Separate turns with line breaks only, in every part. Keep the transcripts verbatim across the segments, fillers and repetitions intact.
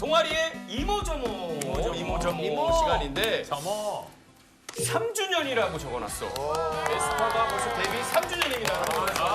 동아리의 이모저모 이모저모, 이모저모
이모.
시간인데
저모.
삼 주년이라고 적어놨어. 에스파가 벌써 데뷔 삼 주년입니다. 아,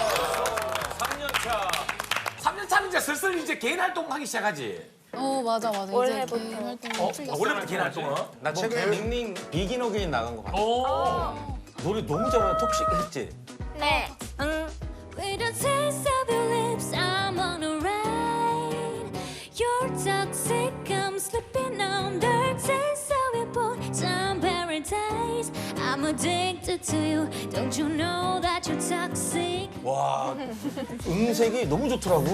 삼 년 차.
삼 년 차면 이제 슬슬 이제 개인 활동하기 시작하지.
어 맞아 맞아.
원래부터.
이제 개인 활동
어?
풀렸어.
원래부터 개인 활동은?
나 최근에 닝닝 비긴 어게인 나간 거 봤어.
오.
노래 너무 잘하는 톡식 했지?
네. 응.
With the taste of your lips, I'm on a ride. You're toxic, I'm slipping on the taste of your bosom paradise. I'm addicted to you. Don't you know that you're toxic?
와 음색이 너무 좋더라고.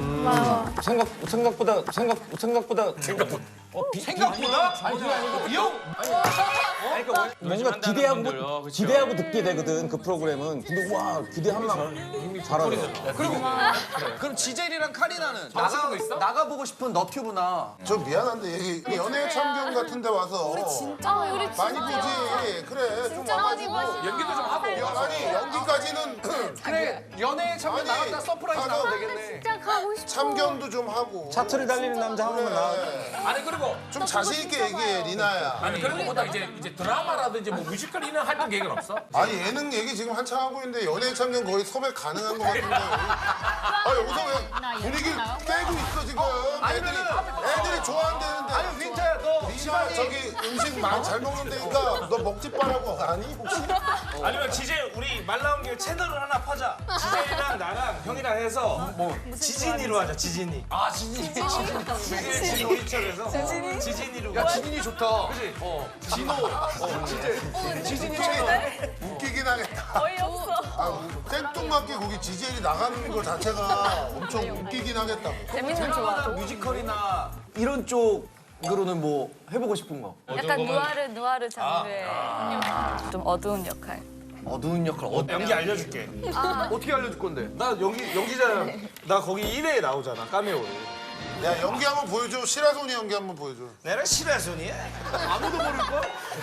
생각 생각보다 생각 생각보다 생각보다 어, 비,
생각보다?
아니 그게 아니고
이 형?
아니, 그러니까 뭔가
한다는
기대하고
분들, 어, 그쵸.
기대하고 듣게 되거든 그 프로그램은. 근데 와 기대하면 잘하더라고.
그리고
그럼 지젤이랑 카리나는
나가-
나가
거 있어?
나가보고 싶은 너튜브나
저 미안한데 여기 연예 참견 같은 데 와서
우리 진짜 우리
많이 보지. 그래 좀 와가지고.
연기도 좀 하고.
야, 아니 연기까지는
그래 연애 참견
아니,
나갔다 서프라이즈
가서-
나가면 되겠네.
진짜 가고 싶어.
참견도 좀 하고.
차트를 달리는 남자 한 번만 나와.
그래.
아니 그리고
좀 자신 있게 얘기해 리나야.
아니 그런 거보다 이제 이제 드라마라든지 뭐 뮤지컬 이런 활동 계획은 없어?
아니 예능 얘기 지금 한창 하고 있는데 연예 참견 거의 섭외 가능한 것 같은데. 아 여기서 왜 분위기 깨고 있어 지금. 애들이 애들이 좋아한다는데.
아니 윈터야 너
리나
집안이
저기 음식 많이 잘 먹는다니까 너 먹지 말라고 아니 혹시?
아니면 지젤 우리 말 나온 김에 채널을 하나 파자. 지젤이랑 나랑 형이랑 해서 뭐 지진이로 하자. 지진이.
아 진이.
지젤 진호이철에서 지진이로.
야 지민이 좋다.
그지?
어.
진호. 어, 진짜 지진이 채널 웃기긴 하겠다.
어이없어.
아, 생뚱맞게 거기 지젤이 나가는 거 자체가 엄청 웃기긴 하겠다.
재밌는 좋아.
뮤지컬이나 이런 쪽으로는 뭐 해보고 싶은 거.
약간 누아르 누아르 장르의 좀 어두운 역할.
어두운 역할 어,
연기 알려줄게.
어떻게 알려줄 건데?
나 연기 연기자 나 거기 일 회에 나오잖아 카메오로.
야 연기 한번 보여줘. 시라소니 연기 한번 보여줘.
내가 시라손이야.
아무도 모를 걸?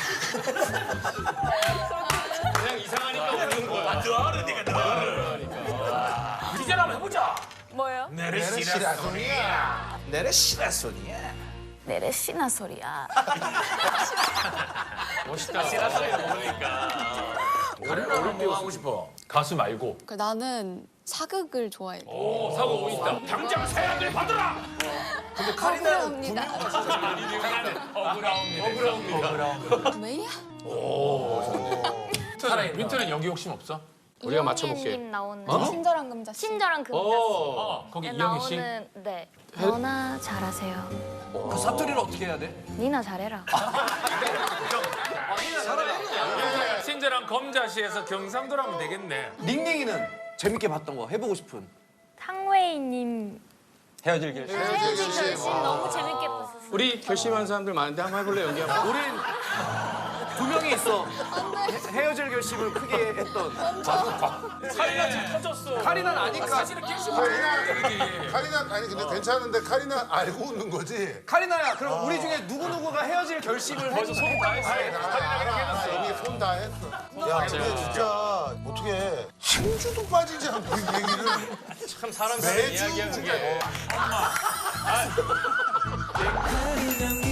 그냥 이상하니까 웃는 거야.
너르니까 너르. 디젤 한번 해보자.
뭐예요?
내래
시라소니야.
내가 시라손이야.
내래 씨나 소리야.
멋있다. 시라소리를 모르니까.
가리나는 뭐 하고 싶어? 가수 말고.
그 나는 사극을 좋아해.
오 사고 있다. 당장 세안을 받아라.
근데 카리나는
억울합니다. 억울합니다.
왜야?
윈터는 윈터는 연기 욕심 없어?
우리가 맞춰볼게.
님 나오는
친절한 금자 씨.
친절한 금자씨.
어 거기 이영희 씨.
나오는 네. 너나 잘하세요.
그 사투리를 어떻게 해야 돼?
니나 잘해라.
친절한 검자시에서 경상도로 하면 되겠네.
닝닝이는 재밌게 봤던 거 해보고 싶은.
탕웨이님
헤어질 결심.
헤어진 결심 너무 재밌게 봤었어요.
우리 결심한 사람들 많은데 한번 해볼래 연기 한번.
우린 두 명이 있어. 헤- 헤어질 결심을 크게 했던.
카리나 지금 터졌어.
카리나는 아니까.
사실은 깨시고
카리나 카리나 아니 근데 괜찮은데 카리나 알고 웃는 거지.
카리나야 그럼 우리 중에 누구누구가 헤어질 결심을
벌써 손 다 했어.
아, 이미 손 다 했어. 야 근데 진짜 어떻게 한 주도 빠지지 않고 이 얘기를
참 사람 사는
매주
이야기야 그게.
진짜.